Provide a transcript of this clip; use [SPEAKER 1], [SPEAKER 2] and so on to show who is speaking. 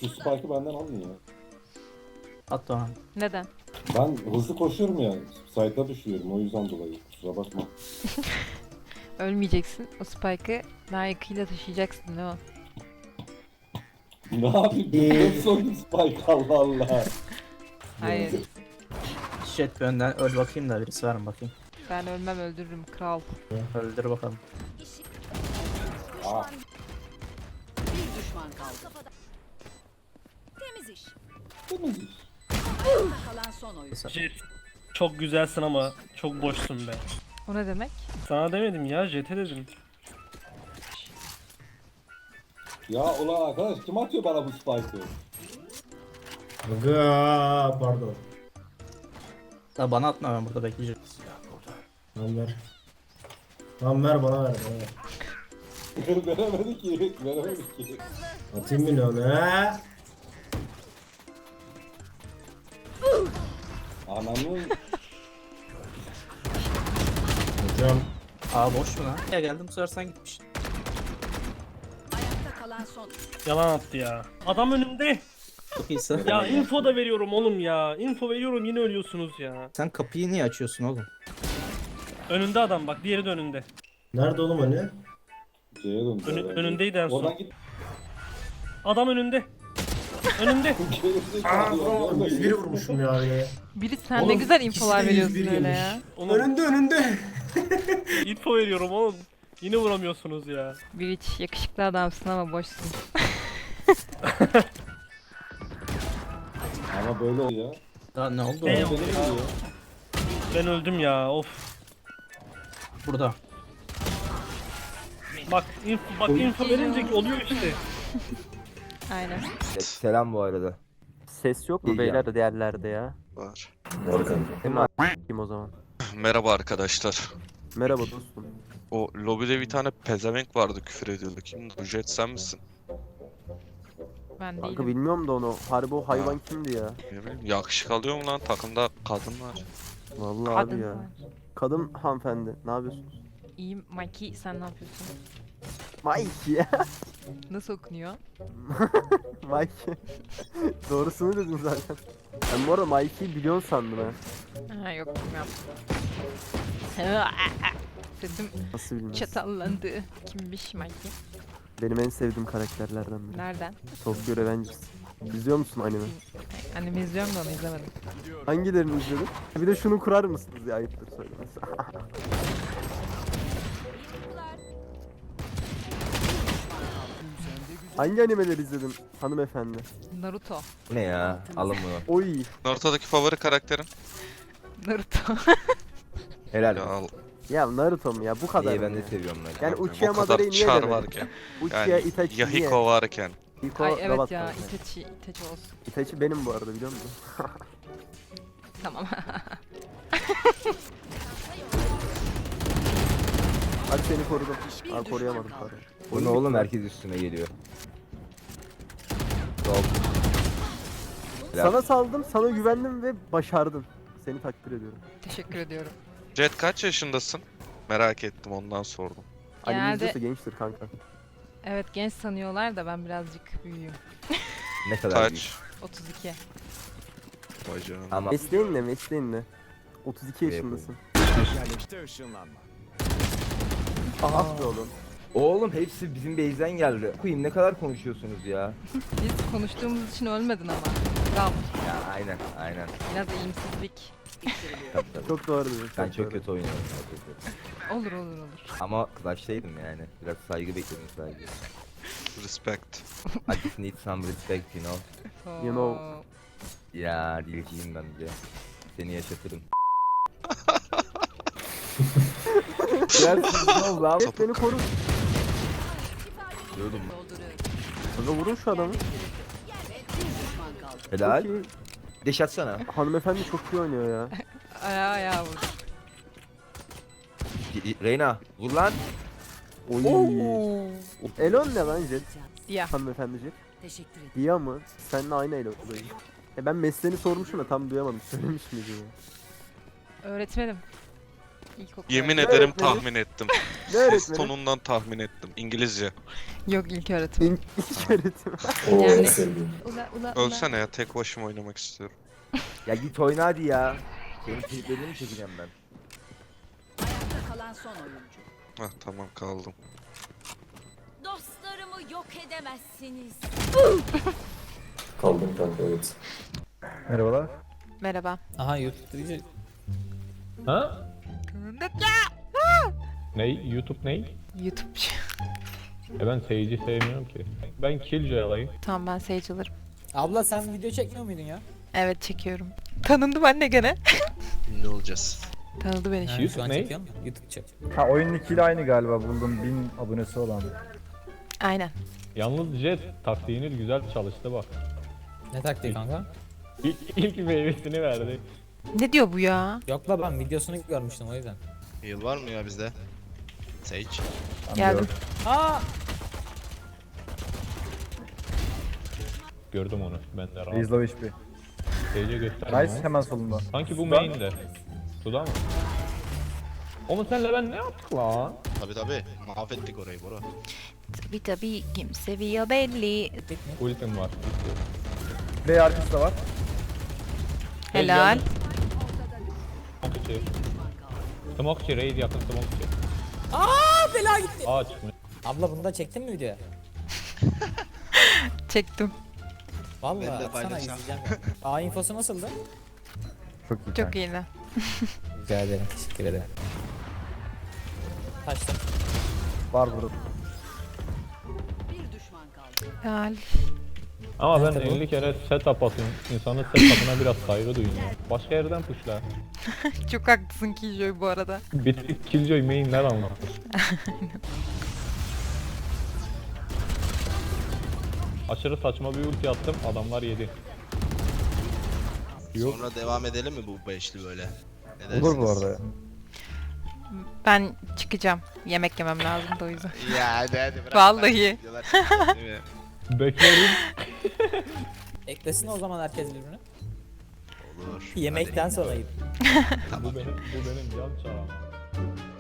[SPEAKER 1] Şu spike'ı benden alın ya.
[SPEAKER 2] At Doğan.
[SPEAKER 3] Neden?
[SPEAKER 1] Ben hızlı koşuyorum ya. Site'a düşüyorum o yüzden dolayı. Kusura bakma.
[SPEAKER 3] Ölmeyeceksin. O spike'ı layıkıyla taşıyacaksın değil mi?
[SPEAKER 1] Ne yapayım? Son spike Allah Allah.
[SPEAKER 3] Hayır.
[SPEAKER 2] Jet bir önden öl bakayım da birisi var mı bakayım.
[SPEAKER 3] Ben ölmem, öldürürüm kral.
[SPEAKER 2] Öldür bakalım.
[SPEAKER 1] Aa,
[SPEAKER 4] Bir düşman kaldı. Temiz iş.
[SPEAKER 1] temiz iş.
[SPEAKER 4] Ayakta kalan son oyun.
[SPEAKER 5] Jet, çok güzelsin ama çok boşsun be.
[SPEAKER 3] O ne demek?
[SPEAKER 5] Sana demedim ya, Jet'e dedim.
[SPEAKER 1] Ya ulan arkadaş kim atıyor bana bu spike'ı?
[SPEAKER 6] Aga pardon.
[SPEAKER 2] Da bana atma, ben burada bekleyeceğim.
[SPEAKER 6] Tamam ver. Tamam ver bana ver.
[SPEAKER 1] Veremedi ki. Veremedi ki.
[SPEAKER 6] Atayım mı onu ha?
[SPEAKER 1] Ananın
[SPEAKER 6] Hocam.
[SPEAKER 2] Aa boş mu lan? Ya geldim bu sefer sen gitmiş.
[SPEAKER 4] Ayakta kalan son.
[SPEAKER 5] Yalan attı ya. Adam önümde.
[SPEAKER 2] Çok iyisin.
[SPEAKER 5] Ya info da veriyorum oğlum ya. Info veriyorum yine ölüyorsunuz ya.
[SPEAKER 2] Sen kapıyı niye açıyorsun oğlum?
[SPEAKER 5] Önünde adam bak, diğeri de önünde.
[SPEAKER 6] Nerede oğlum hani?
[SPEAKER 1] C'ye döndü. herhalde.
[SPEAKER 5] Önündeydi en son.
[SPEAKER 1] Oradan git.
[SPEAKER 5] Adam önünde. Önünde.
[SPEAKER 6] Aa 101 vurmuşum ya yine.
[SPEAKER 3] Biri sen ne
[SPEAKER 6] Oğlum,
[SPEAKER 3] güzel
[SPEAKER 6] ikisi
[SPEAKER 3] infolar
[SPEAKER 6] de
[SPEAKER 3] veriyorsun
[SPEAKER 6] 101
[SPEAKER 3] öyle
[SPEAKER 6] yemiş.
[SPEAKER 3] ya.
[SPEAKER 5] Oğlum
[SPEAKER 6] Önünde.
[SPEAKER 5] info veriyorum oğlum. Yine vuramıyorsunuz ya.
[SPEAKER 3] Biriç yakışıklı adamsın ama boşsun.
[SPEAKER 1] Ama böyle oluyor ya.
[SPEAKER 2] Daha ne oldu?
[SPEAKER 5] Ne
[SPEAKER 2] oğlum?
[SPEAKER 5] oldu?
[SPEAKER 1] Beni vuruyor.
[SPEAKER 5] Ben öldüm ya, of.
[SPEAKER 2] Burada.
[SPEAKER 5] Bak info verince oluyor işte.
[SPEAKER 3] Aynen.
[SPEAKER 7] Selam bu arada.
[SPEAKER 8] Ses yok mu
[SPEAKER 7] İyi
[SPEAKER 8] beyler diğerlerde ya?
[SPEAKER 9] Var.
[SPEAKER 8] Değil mi? Kim o zaman?
[SPEAKER 9] Merhaba arkadaşlar.
[SPEAKER 8] Merhaba dostum.
[SPEAKER 9] O lobide bir tane pezevenk vardı, küfür ediyordu. Kimdi? Bu Jet sen misin?
[SPEAKER 3] Ben
[SPEAKER 8] Kanka
[SPEAKER 3] değilim.
[SPEAKER 8] bilmiyorum da onu. Harbi o hayvan kimdi ya?
[SPEAKER 9] Ne bileyim, yakışık alıyor mu lan? Takımda kadın var.
[SPEAKER 8] Vallahi abi
[SPEAKER 3] Kadın
[SPEAKER 8] ya.
[SPEAKER 3] var.
[SPEAKER 8] Kadın hanımefendi. Ne yapıyorsunuz?
[SPEAKER 3] İyiyim Mikey, sen ne yapıyorsun?
[SPEAKER 8] Mike ya.
[SPEAKER 3] Nasıl okunuyor?
[SPEAKER 8] Mike. Doğrusunu dedin zaten. Ben bu arada Mike'yi biliyorsun sandım ha.
[SPEAKER 3] Ha yok bilmiyorum. Sesim
[SPEAKER 8] Nasıl bilmez?
[SPEAKER 3] çatallandı. Kimmiş Mikey?
[SPEAKER 8] Benim en sevdiğim karakterlerden biri.
[SPEAKER 3] Nereden?
[SPEAKER 8] Tokyo Revengers. İzliyor musun anime?
[SPEAKER 3] Anime izliyorum da onu izlemedim.
[SPEAKER 8] Hangilerini izledin? Bir de şunu kurar mısınız ya, ayıptır söylemesi. Hangi animeleri izledin hanımefendi?
[SPEAKER 3] Naruto.
[SPEAKER 7] Bu ne ya? Alın bunu.
[SPEAKER 8] Oy.
[SPEAKER 9] Ortadaki favori karakterin?
[SPEAKER 3] Naruto.
[SPEAKER 7] Helal.
[SPEAKER 9] Ya al.
[SPEAKER 8] Ya Naruto mu ya, bu kadar
[SPEAKER 7] İyi
[SPEAKER 8] mı
[SPEAKER 7] ben de
[SPEAKER 8] ya?
[SPEAKER 7] seviyorum lan.
[SPEAKER 8] Yani
[SPEAKER 9] Bu
[SPEAKER 8] Uchiha
[SPEAKER 9] kadar
[SPEAKER 8] Madara'yı niye
[SPEAKER 9] çar
[SPEAKER 8] demedin?
[SPEAKER 9] varken.
[SPEAKER 8] Uchiha
[SPEAKER 9] Yani
[SPEAKER 8] Itachi niye?
[SPEAKER 9] Yahiko varken.
[SPEAKER 8] Hiko
[SPEAKER 3] Ay evet
[SPEAKER 8] robot
[SPEAKER 3] ya,
[SPEAKER 8] kanka.
[SPEAKER 3] Itachi olsun.
[SPEAKER 8] Itachi benim bu arada, biliyor musun?
[SPEAKER 3] Tamam.
[SPEAKER 8] Hadi seni korudum. Abi koruyamadım pardon.
[SPEAKER 7] Bu ne oğlum, herkes üstüme geliyor. Sol. Helal.
[SPEAKER 8] Sana saldım, sana güvendim ve başardın. Seni takdir ediyorum.
[SPEAKER 3] Teşekkür ediyorum.
[SPEAKER 9] Jet kaç yaşındasın? Merak ettim, ondan sordum.
[SPEAKER 8] Anime
[SPEAKER 3] Genelde-
[SPEAKER 8] izliyorsa gençtir kanka.
[SPEAKER 3] Evet genç sanıyorlar da ben birazcık büyüğüm.
[SPEAKER 7] Ne kadar büyük.
[SPEAKER 9] Kaç?
[SPEAKER 3] 32.
[SPEAKER 9] Vay canına.
[SPEAKER 7] Ama
[SPEAKER 8] Mesleğin ne, mesleğin ne? 32
[SPEAKER 7] Ne
[SPEAKER 8] yaşındasın.
[SPEAKER 7] Aha.
[SPEAKER 8] Ah be oğlum.
[SPEAKER 7] Oğlum hepsi bizim base'den geldi. Koyayım ne kadar konuşuyorsunuz ya?
[SPEAKER 3] Biz konuştuğumuz için ölmedin ama. Bravo.
[SPEAKER 7] Ya aynen.
[SPEAKER 3] Biraz eğimsizlik.
[SPEAKER 7] Tabii, tabii.
[SPEAKER 8] Çok doğru dedin.
[SPEAKER 7] Ben
[SPEAKER 8] çok
[SPEAKER 7] çok
[SPEAKER 8] doğru.
[SPEAKER 7] kötü oynuyorum. Çok kötü.
[SPEAKER 3] Olur.
[SPEAKER 7] Ama Clash'taydım yani. Biraz saygı bekledim sadece.
[SPEAKER 9] Respect.
[SPEAKER 7] I just need some respect, you know.
[SPEAKER 3] So...
[SPEAKER 8] You know.
[SPEAKER 7] Ya dilciyim ben bir de. Seni yaşatırım.
[SPEAKER 8] Biraz sıkıntı oldu abi. Beni koru.
[SPEAKER 7] Diyordum mu?
[SPEAKER 8] Kanka vurun şu adamı.
[SPEAKER 7] Helal.
[SPEAKER 8] Çok iyi.
[SPEAKER 7] Deş atsana.
[SPEAKER 8] Hanımefendi çok iyi oynuyor ya.
[SPEAKER 3] Ayağa vurdu.
[SPEAKER 7] Reyna vur lan.
[SPEAKER 8] Oy. Elon ne lan Jet?
[SPEAKER 3] Dia.
[SPEAKER 8] Hanımefendi Jet.
[SPEAKER 4] Teşekkür ederim.
[SPEAKER 8] Dia mı? Seninle aynı Elon oluyor. Ben mesleğini sormuşum da tam duyamadım. Söylemiş miydi ya?
[SPEAKER 3] Öğretmenim. İlkokul.
[SPEAKER 9] Yemin
[SPEAKER 8] Ne
[SPEAKER 9] ederim
[SPEAKER 8] öğretmeni?
[SPEAKER 9] tahmin ettim.
[SPEAKER 8] Ne
[SPEAKER 9] Ses
[SPEAKER 8] öğretmeni?
[SPEAKER 9] tonundan tahmin ettim. İngilizce.
[SPEAKER 3] Yok ilk öğretim.
[SPEAKER 8] İlk öğretim.
[SPEAKER 3] Yani. Ula ula ula.
[SPEAKER 9] Ölsene ya, tek başıma oynamak istiyorum.
[SPEAKER 7] Ya git oyna hadi ya. Senin triplerini mi çekeceğim ben?
[SPEAKER 4] Ayakta kalan son oyuncu.
[SPEAKER 9] Hah tamam, kaldım.
[SPEAKER 4] Dostlarımı yok edemezsiniz.
[SPEAKER 1] Kaldım kanka, evet.
[SPEAKER 8] Merhabalar.
[SPEAKER 3] Merhaba.
[SPEAKER 10] Aha YouTube
[SPEAKER 11] Ha? Ney? YouTube ney?
[SPEAKER 3] YouTube.
[SPEAKER 11] Ben seyirci sevmiyorum ki. Ben Killjoy alayım.
[SPEAKER 3] Tamam ben Sage alırım.
[SPEAKER 10] Abla sen video çekmiyor muydun ya?
[SPEAKER 3] Evet çekiyorum. Tanındım anne gene.
[SPEAKER 9] Ne olacağız?
[SPEAKER 3] Tanıdı beni
[SPEAKER 10] Ha,
[SPEAKER 3] şimdi.
[SPEAKER 10] şu an
[SPEAKER 11] ne?
[SPEAKER 10] çekiyor musun? YouTube çek.
[SPEAKER 8] Ha oyunun ikiyle aynı galiba buldum 1000 abonesi olan.
[SPEAKER 3] Aynen.
[SPEAKER 11] Yalnız Jet taktiğiniz güzel çalıştı bak.
[SPEAKER 10] Ne taktiği kanka?
[SPEAKER 11] İlk meyvesini verdi.
[SPEAKER 3] Ne diyor bu ya?
[SPEAKER 10] Yok la ben videosunu görmüştüm o yüzden.
[SPEAKER 9] Heal var mı ya bizde? Sage.
[SPEAKER 3] Geldim.
[SPEAKER 10] Aa!
[SPEAKER 11] Gördüm onu. Ben de rahat.
[SPEAKER 8] Izlo HP.
[SPEAKER 11] Sage'e gösterdim
[SPEAKER 8] Nice
[SPEAKER 11] ama.
[SPEAKER 8] hemen solunda.
[SPEAKER 11] Sanki bu main'de. Suda mı? Oğlum senle ben ne yaptık lan?
[SPEAKER 9] Tabi mahvettik orayı Bora.
[SPEAKER 3] Tabii kim seviyor belli.
[SPEAKER 11] Ultim var.
[SPEAKER 8] Play arkası da var.
[SPEAKER 3] Helal.
[SPEAKER 11] Smoke içi. Smoke içi, raid yakın smoke içi.
[SPEAKER 10] Aa bela gitti.
[SPEAKER 11] Aa çıkmış.
[SPEAKER 10] Abla bunu da çektin mi videoya?
[SPEAKER 3] Çektim.
[SPEAKER 10] Vallahi atsana izleyeceğim ya. Aa infosu nasıldı?
[SPEAKER 8] Çok iyi.
[SPEAKER 3] Çok iyiydi.
[SPEAKER 10] Rica ederim teşekkür ederim. Taştım.
[SPEAKER 8] Var burada.
[SPEAKER 4] Bir düşman kaldı.
[SPEAKER 3] Helal.
[SPEAKER 11] Ama ben
[SPEAKER 10] Nerede bu?
[SPEAKER 11] 50 kere setup atayım. İnsanın setup'ına biraz saygı duyun ya. Başka yerden pushla.
[SPEAKER 3] Çok haklısın Killjoy bu arada.
[SPEAKER 11] Bitik Killjoy main'ler anlatır. Aşırı saçma bir ulti attım, adamlar yedi. Yok.
[SPEAKER 9] Sonra devam edelim mi bu beşli böyle? Ne
[SPEAKER 8] Olur bu arada ya.
[SPEAKER 3] Ben çıkacağım. Yemek yemem lazım da o yüzden.
[SPEAKER 9] Ya hadi bırak.
[SPEAKER 3] Vallahi.
[SPEAKER 11] Beklerim.
[SPEAKER 10] Eklesin o zaman herkes birbirine.
[SPEAKER 9] Olur.
[SPEAKER 10] Yemekten sonra yiyip.
[SPEAKER 11] Bu benim can çağım.